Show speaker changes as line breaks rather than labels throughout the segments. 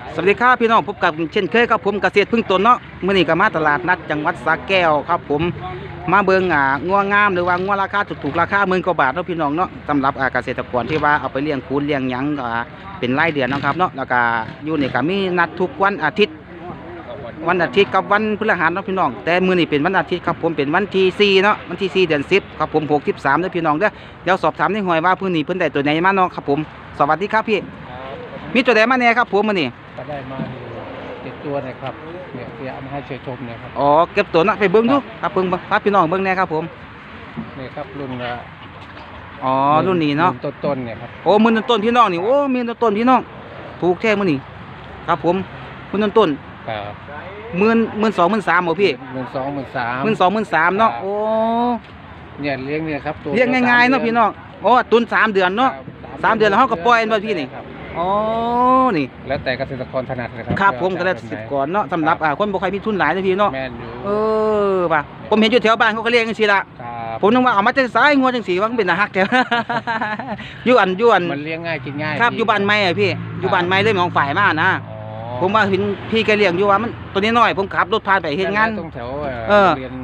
สวัสดีครับพี่น้องพบกับเช่นเคยครับผมเกษตรพึ่งตนเนาะมื้อนี้ก็มาตลาดนัดจังหวัดสระแก้วครับผมมาเบิ่งงัวงามหรือว่างัวราคาถูกๆราคา10,000 กว่าบาทเนาะพี่น้องเนาะสำหรับเกษตรกรที่ว่าเอาไปเลี้ยงคูนเลี้ยงหยังก็เป็นรายเดือนนะครับเนาะแล้วก็อยู่นี่ก็มีนัดทุกวันอาทิตย์กับวันพฤหัสเนาะพี่น้องแต่มื้อนี้เป็นวันอาทิตย์ครับผมเป็นวันที่4เนาะวันที่4เดือน10ครับผม63เด้อพี่น้องเด้อเดี๋ยวสอบถามในหอยว่ามื้อนี้เพิ่นได้ตัวไหนมาเนาะครับผมสวัสดีครับพี่มีตัวใดมาแน่ครับผมมื้อนี้
ก็ได้มาอยู่7 ตัวนะครับเนี่ยเดี๋ยวเอามาให้เชยชมเนี่ยครับ
อ๋อเก็บตัวนะไปเบิ้งดูครับเบิ้งพาพี่น้องเบิ้งแน่ครับผม
นี่ครับรุ่น
อ๋อรุ่นนี้เนาะ
ต้นเนี่ยครับ
โอ้มือต้นพี่น้องนี่โอ้มีต้นพี่น้องถูกแท้มื้อนี้ครับผมมือต้น
ครับ
12,000 13,000บ่พี่
12,000 13,000
เนาะโอ้
เนี่ยเลี้ยงเนี่ยครับ
เลี้ยงง่ายๆเนาะพี่น้องโอ้ตุน3 เดือนเนาะ3 เดือนแล้วเฮาก็ปล่อยอันบ่พี่นี่อ๋อนี่
แล้วแต่เกษตรกรถนัดนะครับ
ครับผมก็ได้10ก่อนเนาะสำหรับคนบ่ค่อยมีทุนหลายนะพี่เนาะ
แม่นอยู่
ป่ะผมเห็นอยู่แถวบ้านเขาก็เลี้ยงจังซี่ล่ะผมนึกว่าเอามาจากสายงัวจังซี่ว่ามันเป็นอาหักแท้อยู่อัน
มันเลี้ยงง่ายกินง่าย
ครับอยู่บ้านใหม่อ่ะพี่อยู่บ้านใหม่เลยมองฝ่ายมานะผมว่าเห็นพี่แกเลี้ยงอยู่ว่ามันตัวนี้น้อยผมขับรถผ่านไปเฮ็ดงาน
ตรงแถวเรียน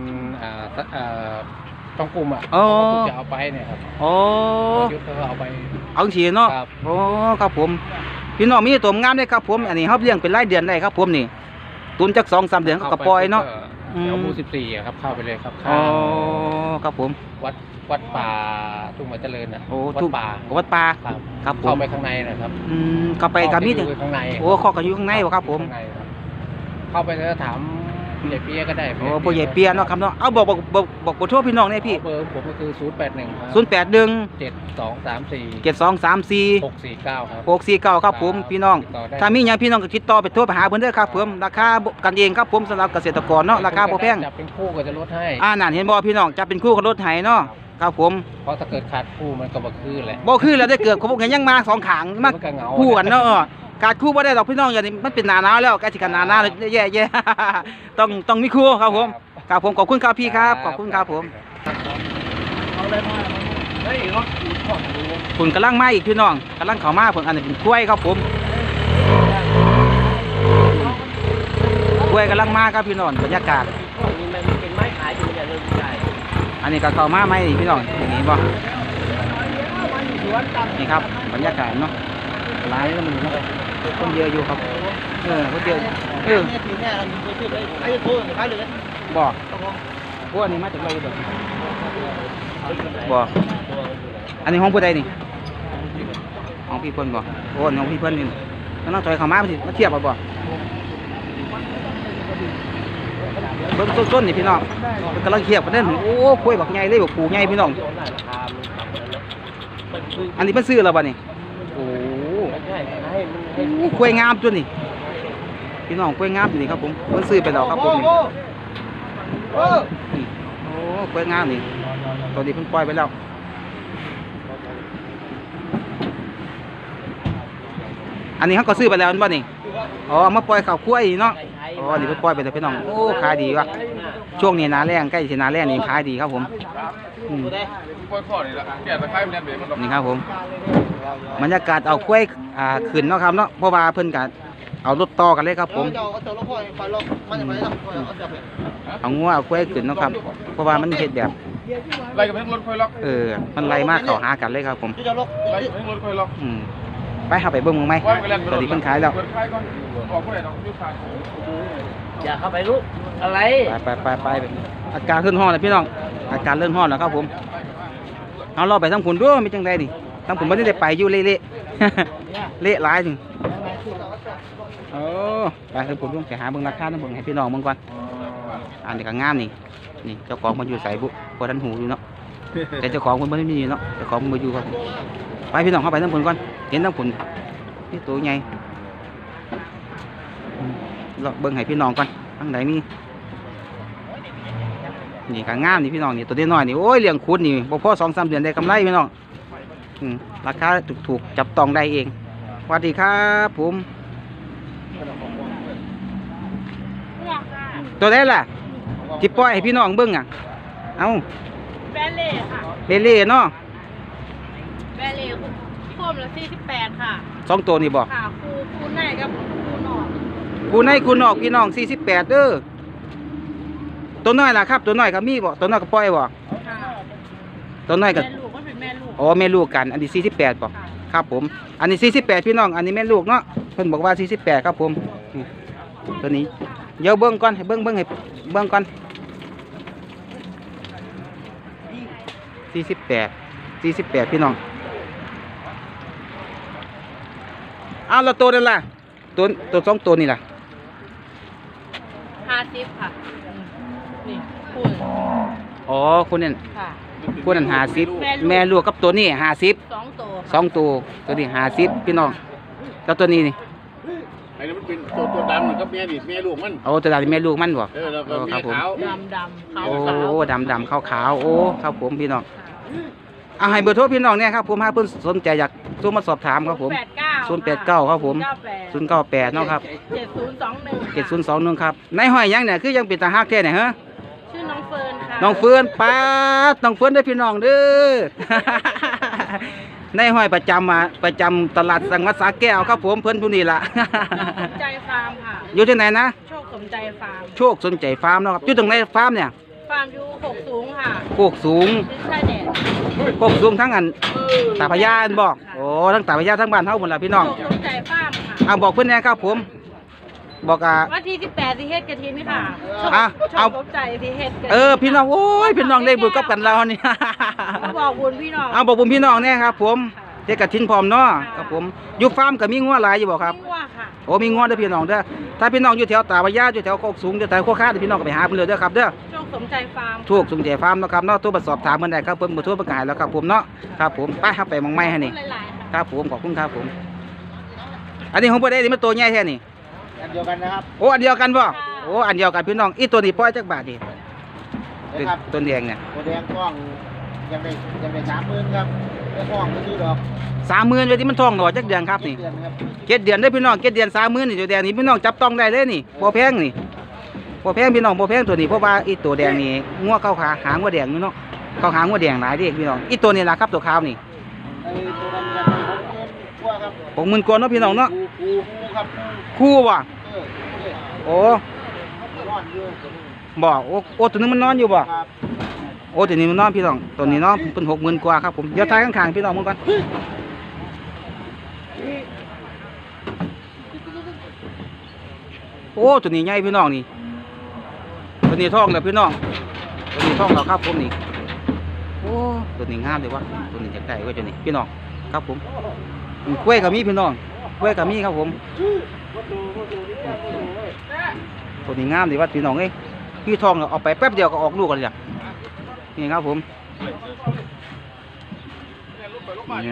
ต้องกลุ่มจะเอาไปเนี่ยครับยุทธเขาเอาไป
เอาฉีเนาะโอ้ครับผมพี่น้องมีตัวงามได้ครับผมอันนี้เขาเลี้ยงเป็นรายเดือนได้ครับผมนี่ตุนจาก2-3 เดือนเขาก็ปล่อยเนาะ
เอาหมู่14ครับเข้าไปเลยครับ
อ๋อครับผม
วัดป่าทุ่งมะเจริญนะ
วัดป่าครับผม
เข้าไปข้างในนะครับ
เข้าไปกับมีด
ข้างใน
โอ้ข้อก็อยู่ข้างในวะครับผม
เข้าไปแล้วถามผู้ใหญ่เปียก็ได้
โอ้ผู้ใหญ่เปียเนาะครับเนาะเอาบอกโทรพี่น้องเนี่ยพี่
เบอร์ผมก็คือ
0817234649ครับผมพี่น้องถ้ามีหยังพี่น้องก็ติดต่อไปโทรไปหาเพิ่นเด้อครับผมราคากันเองครับผมสำหรับเกษตรกรเนาะราคาบ่แพง
จับเป็นคู่ก็จะลดให้
นั่นเห็นบ่พี่น้องจับเป็นคู่ก็ลดให้เนาะครับผม
เพราะถ้าเกิดขาดคู่มันก็บ่คือแหละ
บ่คือแล้วได้เกิดผมเห็นยังมา2ขางมาคู่กันเนาะการคู่บ่ได้ดอกพี่น้องอย่างนี้มันเป็นหน้าหนาวแล้วใกล้สิกันหน้าหนาวแย่ๆต้องมีคู่ครับผมครับผมขอบคุณครับพี่ครับขอบคุณครับผมคุณกำลังมาอีกพี่น้องกำลังเข้ามาผมอันนี้เป็นกล้วยครับผมกล้วยกำลังมาครับพี่น้องบรรยากาศอันนี้ก็เข้ามาไหมพี่น้องอย่างนี้บ่นี่ครับบรรยากาศเนาะร้านนี้มันคนเยอะอยู่ครับคนเยอะบอกพวกอันนี้มาจากไรบอกอันนี้ห้องผู้ใดนี่ห้องพี่เพิ่นบอกโอ้ห้องพี่เพิ่นนี่ต้องถอยเข้ามามาเทียบบ่เบิ้งส้นนี่พี่น้องกำลังเทียบกันเด้อโอ้คุยบักใหญ่เลยบักปูใหญ่พี่น้องอันนี้เป็นซื้อแล้วบ่นี่โอ้กล้วยงามจุดนี่พี่น้องกล้วยงามนี่ครับผมเพิ่นซื้อไปแล้วครับผมนี่โอ้กล้วยงามนี่ตอนนี้เพิ่นปล่อยไปแล้วอันนี้เขาก็ซื้อไปแล้วบ่นี่อ๋อมาปล่อยข้าวกล้วยเนาะอ๋อนี่เพิ่นปล่อยไปแล้วพี่น้องโอ้ขายดีว่ะช่วงนี้หน้าแล้งใกล้สิหน้าแล้งนี่ขายดีครับผมนี่ครับผมบรรยากาศเอากล้วยขึ้นเนาะครับเนาะเพราะว่าเพิ่นก็เอารถต่อกันเลยครับผมเอางัวเอากล้วยขึ้นเนาะครับเพราะว่ามันเฮ็ดแบบ
ไล่กับรถค่อยล็อก
มันไล่มากเข้าหากันเลยครับผม
ไล่กับรถค่อยล็อก
ไปหาไปเบิ่งมึงไหมตอนนี้เพิ่นขายแล้ว
อย่าเข้าไปลูกอะไร
ไปอาการเลื่อนห้องนะพี่น้องอาการเลื่อนห้องนะครับผมเอาเราไปทั้งผุนด้วยมีจังไดดิทั้งผุนไม่ได้ไปอยู่เละเละหลายจริงไปทั้งผุนด้วยไปหาเบิ่งราคาทั้งผุนให้พี่น้องเบิ่งก่อนอันนี้ก็งามนี่เจ้าของมันอยู่ใส่บุพอทันหูอยู่เนาะแต่เจ้าของมันไม่มีเนาะเจ้าของมันมาอยู่ครับไปพี่น้องเข้าไปทั้งผุนก่อนเห็นทั้งผุนนี่ตัวใหญ่เราเบิ่งให้พี่น้องก่อนทั้งไหนมีนี่ก็งามนี่พี่น้องนี่ตัวน้อยนี่โอ้ยเลี้ยงคุดนี่พอ2-3 เดือนได้กำไรพี่น้องราคาถูกจับต้องได้เองสวัสดีครับผมตัวได้ล่ะที่ปล่อยให้พี่น้องเบิ่งเอา
แบเล่ค่ะ
เบเล่เนาะ
แบเล่โคมละ48ค่ะ
2 ตัวนี่บอก
ค่ะคูไหนกับคูหน่อย
คู่ในคู่นอกพี่น้อง48เด้อตัวน้อยล่ะครับตัวน้อยก็มีบ่ตัวน้อยก็ปล่อยบ่
ค่ะ
ตัวน้อยก็
แม่ลูกก็เป็นแม่ลูก
อ๋อแม่ลูกกันอันนี้48บ่
ค่ะ
ครับผมอันนี้48พี่น้องอันนี้แม่ลูกเนาะเพิ่นบอกว่า48ครับผมนี่ตัวนี้เดี๋ยวเบิ่งก่อนให้เบิ่งให้เบิ่งก่อน48พี่น้องเอาแล้วตัวนั่นล่ะตัวสองตัวนี่ล่ะ
50ค่ะนี่คุณ
อ๋อคนนั้น
ค่ะ
คนนั้น50แม่ลูกกับตัวนี้50
2ตัว
สองตัวนี้50พี่น้องแล้วตัวนี้นี่
ไอ้นี่มันเป็นตัวดำมันก็แม่ดิแม่ลูกมัน
โอ้ตัวนี้แม่ลูกมันบ่
แล้วก็
ครั
แม่
บผม
ขาว
ดำขาว
โอ้
ขาว
ดำขาวโอ้ครับผมพี่น้องเอาให้เบอร์โทรพี่น้องเนี่ยครับผมถ้าเพิ่นสนใจอยากโทรมาสอบถามครับผม089ครับผม098เนาะครับ
7021
ครับในห้อยยังเนี่ยคือยังเป็นตาฮักแท้เนี่ยฮะ
ชื่อน้องเฟิร์นค่ะ
น้องเฟิร์นป้าดน้องเฟิร์นได้อพี่น้องเด้อ ในห้อยประจำตลาดสังวัดสาแก้วครับผมเพิ่นผู้นี้ล่ะ
สมใจฟาร์มค่ะ
อยู่ที่ไหนนะ
โชคสมใจฟาร์ม
โชคสนใจฟาร์มเนาะครับอยู่ตรงไหนฟาร์มเนี่ย
ฟาร์มอยู่6สูงค่ะ
โคกสูง
ดินชายแดด
โคกสูงทั้งอันตาพญาอันบอกโอ้ทั้งตาพญาทั้งบ้านเฮาหมดล่ะพี่น้อง
โชคสมใจฟาร์มค่ะ
เอาบอกเพิ่นแหน่ครับผม บอก
วันที่18สิเฮ็ดกระถินค่ะโชค
อ่ะ
โช
เอา
คสมใจสิเฮ็ดกระถิน
พี่น้องโอ้ยพี่น้องได้บุญกับกันเรานี่
บอกบุญพี่น้อง
เอาบอกบุญพี่น้องเนี่ยครับผมเด็กกระทินพร้อมเนาะครับผมอยู่ฟาร์มก็มีงัวหลายอยู่บ่ครับ
ไม่ว่าค่ะ
โอ้มีงัวเด้อพี่น้องเด้อถ้าพี่น้องอยู่แถวตาพญาอยู่แถวโคกสูงอยู่แถวโคกค้าเดี๋ยวพี่น้องก็ไปหาเพิ่นเลยเด้อครับเด้อ
โชคสมใจฟาร์ม
ถูกสมใจฟาร์มเนาะครับเนาะโทรมาสอบถามเพิ่นได้ครับเพิ่นบ่โทรประกาศแล้วครับผมเนาะครับผมไปครับไปหมองไม้ให้นี่
หลายๆค่ะ
ครับผมขอบคุณครับผม อันนี้ของบ่ได้นี่มันตัวใหญ่แท้นี่
อันเดียวกันนะครับ
โอ้อันเดียวกันบ่โอ้อันเดียวกันพี่น้องอีตัวนี้ปล่อยจักบาทนี่
นะครับ
ตัวแดงเนี่ย
ตัวแดงกล้องยังได้30,000ครับได้กล้องไม่ซื้อดอก
30,000ไว้ที่มันท้องหน่อจักเดือนครับนี่
เดือนครับ
7 เดือนได้อพี่น้อง7 เดือน30,000นี่ตัวแดงนี่พี่น้องจับต้องได้เลยนี่บ่แพงนี่บ่แพงพี่น้องบ่แพงตัวนี้เพราะว่าอีตัวแดงนี่งัวเข้าขาหางงัวแดงอยู่เนาะเข้าหางงัวแดงหลายเด้พี่น้องอีตัวนี้ล่ะครับตัวขาวนี่
ไอ้ตัวนั้นกัน60,000กว่าครับ
60,000กว่าเนาะพี่น้องเนาะ
กูครับ
คู่บ่
เออ
โอ้
นอนอยู่
บ่โอ้ตัวนึงมันนอนอยู่บ่
ครับ
โอ้ตัวนี้มันนอนพี่น้องตัวนี้นอนเป็น60,000กว่าครับผมเดี๋ยวทายข้างๆพี่น้องมึงก่อนโอ้ตัวนี้ใหญ่พี่น้องนี่ตัวนี้ท้องแล้วพี่น้องตัวนี้ท้องแล้วครับผมนี่โอ้ตัวนี้งามเลยวะตัวนี้อยากได้ไว้ตัวนี้พี่น้องครับผมกล้วยกับมีพี่น้องกล้วยกับมีครับผมตัวนี้งามเลยวะพี่น้องเอ้ยพี่ท้องแล้วเอาไปแป๊บเดียวก็ออกลูกกันเลยนี่ครับผมนี่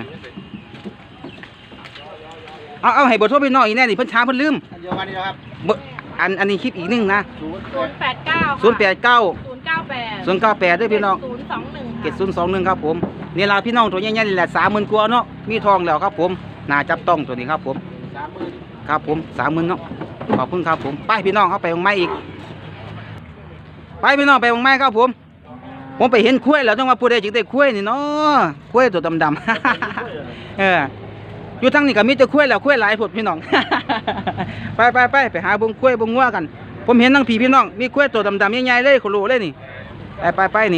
เอาให้เบทโทรพี่น้องอีกแน่นี่เพิ่นช้าเพิ่นลืม
อันเดียวกันนี่นะครับ
เบอร์อันนี้คลิปอีกนึงนะ
089
089 098ด้วยพี่น้อง
021
ครับผมนี่ล่ะพี่น้องตัวใหญ่ๆนี่แหละ30,000กว่าเนาะมีทองแล้วครับผมน่าจับต้องตัวนี้ครับผม
30,000
ครับผม30,000เนาะขอบคุณครับผมไปพี่น้องเข้าไปวงไม้อีกไปพี่น้องไปวงไม้ครับผมไปเห็นคุ้ยแล้วต้องมาพูดได้จึงได้คุ้ยนี่เนาะคุ้ยตัวดำๆ อยู่ทั้งนี้ก็มีแต่คุ้ยแล้วคุ้ยหลายผดพี่น้อง ไปหาบงคุ้ยบงงัวกัน ผมเห็นทั้งผีพี่น้องมีคุ้ยตัวดำๆใหญ่ๆเลยขลุเลยนี่ไปนี่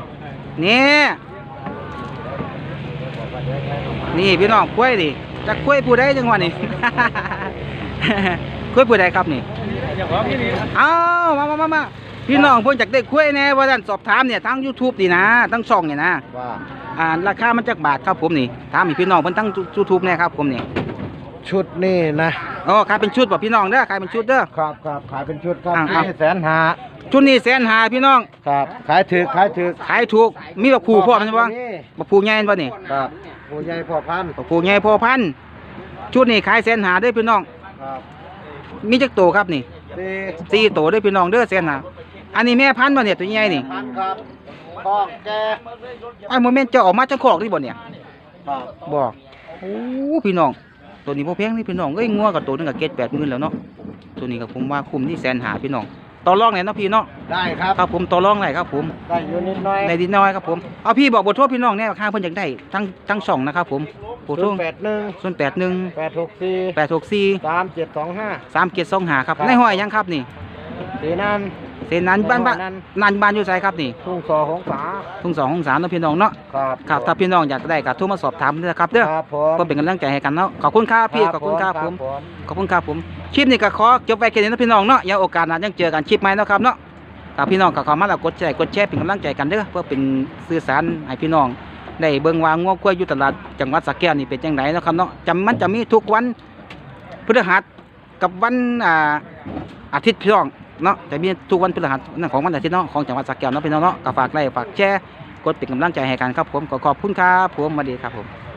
นี่พี่น้องคุ้ยดิจะคุ้ยผู้ใดจังหวะนี่ คุ้ยผู้ใดครับนี่เอามาพี่น้องเพิ่นจากได้คุ้ยแน่ว่าท่านสอบถามเนี่ยทั้ง YouTube นี่นะทั้งช่องเนี่ยนะ
ว่า
ราคามันจักบาทครับผมนี่ถามให้พี่น้องเพิ่นทั้ง YouTube แน่ครับผมนี่
ชุดนี่นะ
อ๋อขายเป็นชุดบ่พี่น้องเด้อขายเป็นชุดเด้อ
ครับขายเป็นชุดครับ
อ่า
นี่150,000
ชุดนี้150,000พี่น้อง
ครับขายถึก
ขายถูกมีบักผูพ่อมันบ่
นี่
บักผูใหญ่บ่นี่
ครับผู้ใหญ่พ่อพันธุ์
บักผูใหญ่พ่อพันธุ์ชุดนี้ขาย150,000เด้อพี่น้อง
ครับ
มีจักโตครับนี่
สี่
4โตเด้อพี่น้องเด้อ150,000อันนี้แม่พันธุ์บ่เนี่ยตัวใหญ่นี่
พันครับท้องแก่
ไอ้โมเมนต์จะออกมาจังคอกนี่บ่เนี่ย
ครับ
บ่โอ้พี่น้องตัวนี้บ่แพงนี่พี่น้องเอ้ยงัวกับตัวนึงก็7-8,000แล้วเนาะตัวนี้ก็ผมว่าคุ้มที่150,000พี่น้องต่อรองได้เนาะพี่เนาะ
ได้ครับ
ครับผมต่อรองได้ครับผม
ได้อยู่นิดหน่อย
ในดินน้อยครับผมเอาพี่บอกบทโทษพี่น้องแน่ข้างเพิ่นอยากได้ทั้งช่องนะครับผมผู้ทุ่ง
081
081
864
864
3725
3725ครับ
ครับ
ในห้อยยังครับนี่
สีนัน
เส้นนั้นบ้านบ้านอยู่ไสครับนี่
ทุ่งสอของสา
ทุ่ง2ของ3เนาะพี่น้องเนาะ
ครับ
ครับถ้าพี่น้องอยากได้ก็โทรมาสอบถามเด้อครับเด้อ
ครับผม
เพื่อเป็นกำลังใจให้กันเนาะขอบคุณครับพี่ขอบคุณครับผมขอบคุณครับผมคลิปนี้ก็ขอจบไว้แค่นี้นะพี่น้องเนาะอย่าโอกาสหน้ายังเจอกันคลิปใหม่เนาะครับเนาะถ้าพี่น้องก็เข้ามาแล้วกดแชร์เป็นกำลังใจกันเด้อเพื่อเป็นสื่อสารให้พี่น้องได้เบิ่งว่างัวกล้วยอยู่ตลาดจังหวัดสระแก้วนี่เป็นจังไดเนาะครับเนาะมันจะมีทุกวันพฤหัสกับวันอาทิตย์พี่น้องเนาะจะมีทุกวันพฤหัสนั่นของวันอาทิตย์เนาะของจังหวัดสระแก้วเนาะพี่น้องเนาะก็ฝากไลค์ฝากแชร์กดเป็นกำลังใจให้กันครับผมขอขอบคุณครับผมสวัสดีครับผม